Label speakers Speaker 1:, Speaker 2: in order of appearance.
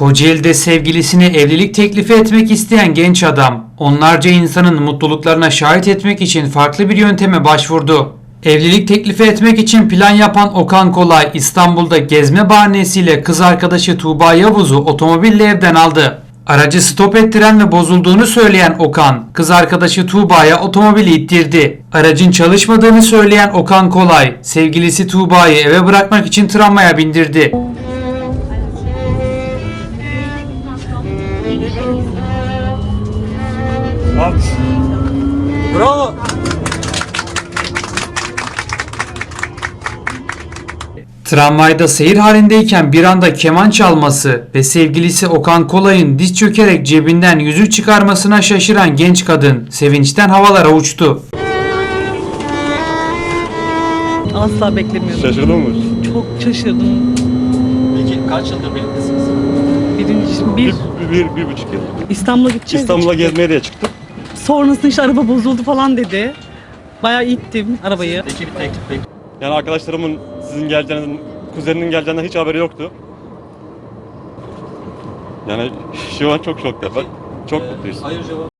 Speaker 1: Kocaeli'de sevgilisine evlilik teklifi etmek isteyen genç adam, onlarca insanın mutluluklarına şahit etmek için farklı bir yönteme başvurdu. Evlilik teklifi etmek için plan yapan Okan Kolay, İstanbul'da gezme bahanesiyle kız arkadaşı Tuğba Yavuz'u otomobille evden aldı. Aracı stop ettiren ve bozulduğunu söyleyen Okan, kız arkadaşı Tuğba'ya otomobili ittirdi. Aracın çalışmadığını söyleyen Okan Kolay, sevgilisi Tuğba'yı eve bırakmak için tramvaya bindirdi.
Speaker 2: Bravo.
Speaker 1: Tramvayda seyir halindeyken bir anda keman çalması ve sevgilisi Okan Kolay'ın diz çökerek cebinden yüzük çıkarmasına şaşıran genç kadın sevinçten havalara uçtu.
Speaker 3: Asla beklemiyordum.
Speaker 2: Şaşırdın mı?
Speaker 3: Çok şaşırdım.
Speaker 4: Peki kaç yıldır birliktesiniz?
Speaker 3: Bir
Speaker 2: Bir buçuk yıl.
Speaker 3: İstanbul'a gideceğiz.
Speaker 2: İstanbul'a gezmeye de çıktık.
Speaker 3: Sonrasında işte araba bozuldu falan dedi. Bayağı ittim arabayı.
Speaker 4: Peki bir teklif bekliyor.
Speaker 2: Yani arkadaşlarımın sizin geleceğinizden, kuzeninin geleceğinden hiç haberi yoktu. Yani şu an çok şokta. Bak, çok mutluyuz.
Speaker 4: Hayır cevabı.